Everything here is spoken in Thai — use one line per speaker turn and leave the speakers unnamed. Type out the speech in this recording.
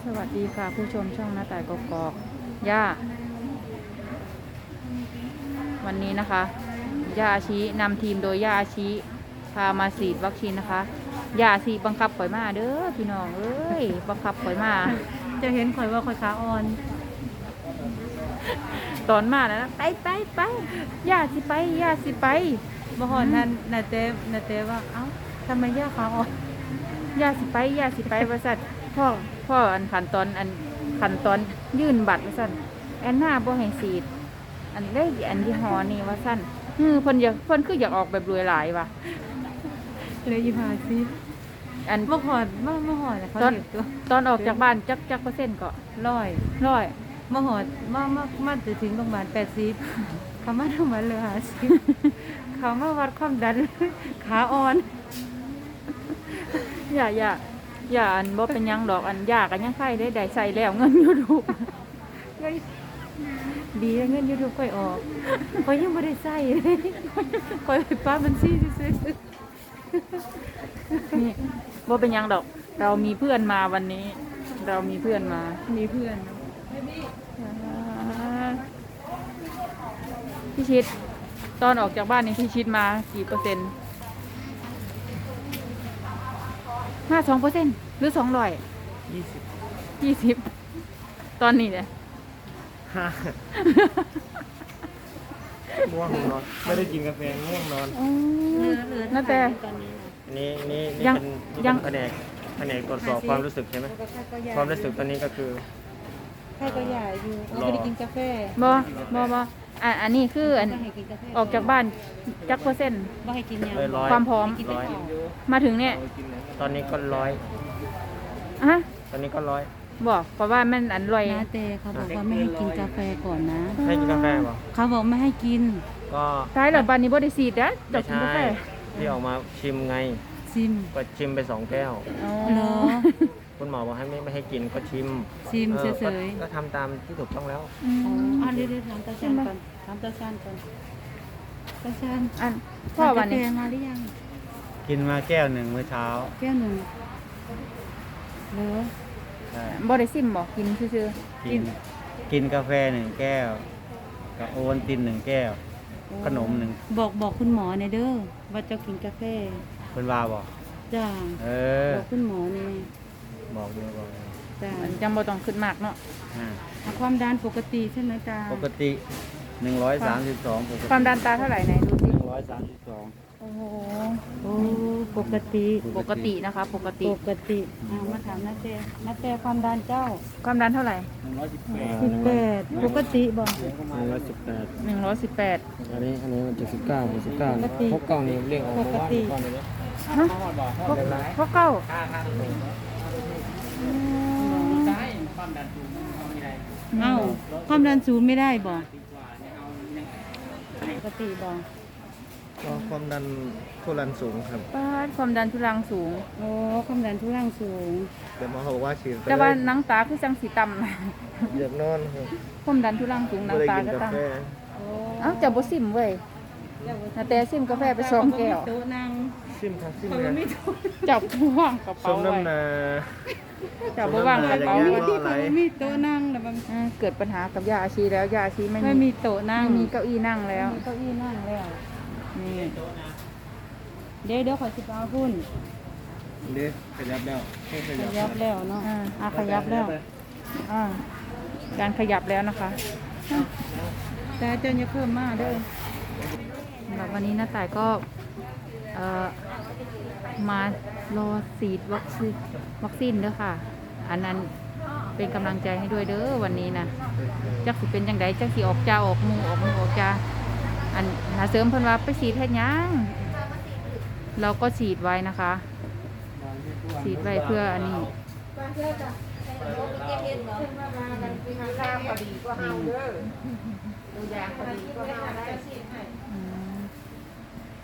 สวัสดีค่ะผู้ชมช่องหน้าต่ายกอกย่าวันนี้นะคะย่าอาชีนำทีมโดยย่าอาชีพามาฉีดวัคซีนนะคะย่าอาชีบังคับข่อยมาเด้อพี่น้องเอ้ยบังคับข่อยมา
จะเห็นข่อยว่าข่อยขาอ่อน
ตอนมาแล้วนะไปย่าสิไปย่าสิไป
บ่ฮอดนั้นนาเต้ว่าเอ้าทำไมย่าขาอ่อน
ย่าสิไปว่าสั่นพ่ออันขั้นตอนยื่นบัตรว่าสั่นแอนนาบ่ให้ฉีดอันได้อันยี่ห้อนี้ว่าสั่นเพิ่นคืออยากออกแบบรวยหลายว่ะ
เลยอีพาซิ
อัน
บ่ฮอดเขาเก็บตัว
ตอนออกจากบ้านจักเปอร์เซ็นต์ก็
100บ่ฮอดมาจะถึงโรงพยาบาล80เขามาโรงพยาบาลเลย50เขามาวัดความดันขาอ่อน
อย่าอันบ่เป็นยังดอกอันยากอันยังไข้ได้ใส่แล้วเงิน YouTube
ดีแล้วเงิน YouTube ค่อยออกข่อยยังบ่ได้ใช้ข่อยไปป้าบัญชีซื่อ
ๆนี่บ่เป็นยังดอกเรามีเพื่อนมาวันนี้มีเพื่อนพี่ชิดตอนออกจากบ้านนี่พี่ชิดมากี่เปอร์เซ็นต์52%หรือ200 20ตอนนี้เนี่ย
ง่วงนอนไม่ได้กินกาแฟง่วงนอน
นั่นแต่
นี่เป็นแผนกตรวจสอบความรู้สึกใช่ไหมความรู้สึกตอนนี้ก็คือ
ใครก็ใหญ่อยู่ไม่ได้กินกาแฟ
บ่อันนี้คืออันออกจากบ้านจักเปอร์เซ็นต์
บ่ให้กิน
ความพร้อมมาถึงเนี่ย
ตอนนี้ก็100
ฮะ
ตอนนี้ก็100
บอกเพราะว่ามันอันร่อย
นะเตเขาบอกว่าไม่ให้กินกาแฟก่อนนะ
ให้กินกาแฟป่ะ
เขาบอกไม่ให้กิน
ก็
ท้ายหลังบ้านนี้บ่ได้ฉีดนะ
จบกินกาแฟที่ออกมาชิมไงก็ชิมไป2 แก้ว
เหรอ
คุณหมอบอกให้ไม่ให้กินก็ชิม
เฉย
ๆก็ทำตามที่ถูกต้องแล้ว
เดี๋ยวถามตาชันก่อนตาชัน
อันพ่อวันนี้
มาหรือยัง
กินมาแก้วหนึ่งเมื่อเช้า
แก้วหนึ่งเหรอ
บ่ได้ซิมบอกกินซื่อ
กินกาแฟ1 แก้วกับโอวัลติน1 แก้วขนม1
บอกคุณหมอในเด้อว่าจะกินกาแฟ
คุณว่าบอก
จ้าบอกคุณหมอนี่
บอก
จ้าจังบ่ต้องขึ้นมากเนาะ
ความดันปกติใช่ไหมตา
ปกติ132
ความดันตาเท่าไหร่ไหนดูสิ
132
โอ้โห
ปกติ
นะคะปกติ
มาถามนาเต้ความดันเจ้า
ความดันเท่าไหร่
18ปกติบอก
118
อันนี้มัน79พกกล้องนี่เรียกออกมาว่าก้อนนี้
พกเก้า
ความดันสูงไม่ได้บอกปกติบอก
ความดันทุรังสูงครับ
ความดันทุรังสูง
ความดันทุรังสูง
แต่หมอบอกว่าฉีด
แต่ว่าหนังตาคือจังสีต่
ำอยากนอนครับ
ความดันทุรังสูงหนังตาก็ต่ำจะบ่ซิมเว้ยแต่ซิมกาแฟไป2 แก้ว
ซิมครับ
จับว่างกระเป๋าไว้จับว่างกระเป๋า
มีโต๊ะนั่งแล้วมัน
เกิดปัญหากับยาอาชีแล้วยาอาชี
ไม่มีโต๊ะนั่ง
มีเก้าอี้นั่งแล้ว
นี่เดี๋ยวขอสิบเอาหุ้น
ขยับแล้ว
เนาะ
ขยับแล้วการขยับแล้วนะคะ
แต่เจ้าอย่าเพิ่มมากเด้อ
วันนี้น้าต่ายก็มารอฉีดวัคซีนเด้อค่ะอันนั้นเป็นกำลังใจให้ด้วยเด้อวันนี้นะจักสิเป็นจังไดจักสิออกจ้าออกมือออกจ้าอันหาเสริมเพิ่นว่าไปฉีดให้ยังเราก็ฉีดไว้นะคะฉีดไว้เพื่ออันนี้